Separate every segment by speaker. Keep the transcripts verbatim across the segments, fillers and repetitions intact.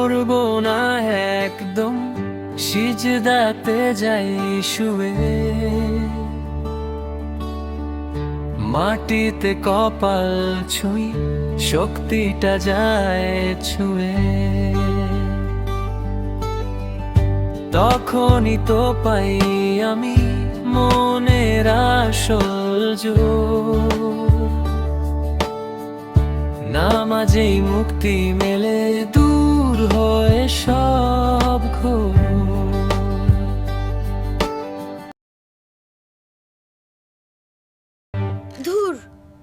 Speaker 1: করব না একদম, সিজদাতে যাই শুয়ে, মাটিতে কপাল ছুঁই, শক্তিটা যায় ছুঁয়ে। তখনই তো পাই আমি মনের আসল জোর, নামাজেই মুক্তি মেলে, দূর হয়ে সব ঘোর।
Speaker 2: ধুর,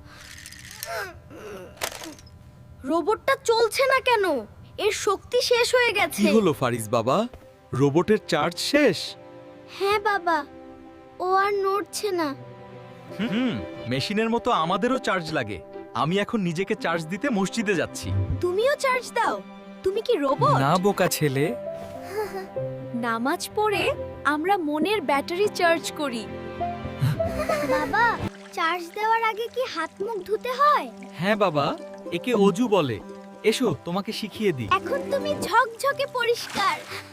Speaker 2: রোবটটা চলছে না কেন? এর শক্তি শেষ হয়ে গেছে।
Speaker 3: কি হলো ফারিস বাবা, রোবটের চার্জ শেষ?
Speaker 2: হ্যাঁ বাবা, ও আর নড়ছে না।
Speaker 3: হুম, মেশিনের মতো আমাদেরও চার্জ লাগে। আমি এখন নিজেকে চার্জ দিতে মসজিদে যাচ্ছি।
Speaker 2: তুমিও চার্জ দাও। তুমি কি রোবট?
Speaker 1: না বোকা ছেলে,
Speaker 2: নামাজ পড়ে আমরা মনের ব্যাটারি চার্জ করি। বাবা, চার্জ দেওয়ার আগে কি হাত মুখ ধুতে হয়?
Speaker 3: হ্যাঁ বাবা, একে অজু বলে। এসো তোমাকে শিখিয়ে দিই।
Speaker 2: এখন তুমি ঝকঝকে পরিষ্কার।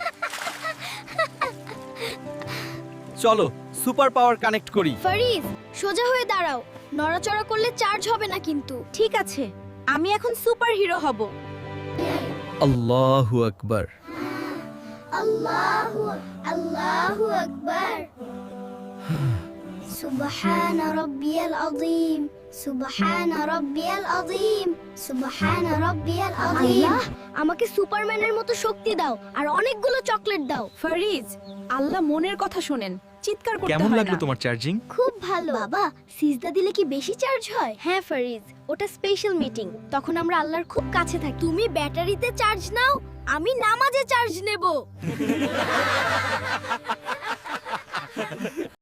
Speaker 3: চলো সুপার পাওয়ার কানেক্ট করি।
Speaker 2: ফারিজ, সোজা হয়ে দাঁড়াও। নড়াচড়া করলে চার্জ হবে না কিন্তু। ঠিক আছে, আমি এখন সুপার হিরো হব।
Speaker 3: আল্লাহু আকবার।
Speaker 2: আল্লাহু আল্লাহু আকবার। সুবহান রাব্বিয়াল আযীম, সুবহান রাব্বিয়াল আযীম, সুবহান রাব্বিয়াল আযীম। আল্লাহ, আমাকে সুপারম্যানের মতো শক্তি দাও আর অনেকগুলো চকলেট দাও।
Speaker 4: ফারিজ, আল্লাহ মনের কথা শোনেন, চিৎকার করতে
Speaker 3: কেমন
Speaker 4: হয়
Speaker 3: লাগলো
Speaker 4: না।
Speaker 3: তোমার চার্জিং?
Speaker 2: খুব ভালো। বাবা, সিজদা দিলে কি বেশি চার্জ হয়? হ্যাঁ ফারিজ, ওটা স্পেশাল মিটিং। তখন আমরা আল্লাহর খুব কাছে থাকি। তুমি ব্যাটারিতে চার্জ নাও, আমি নামাজে চার্জ নেব।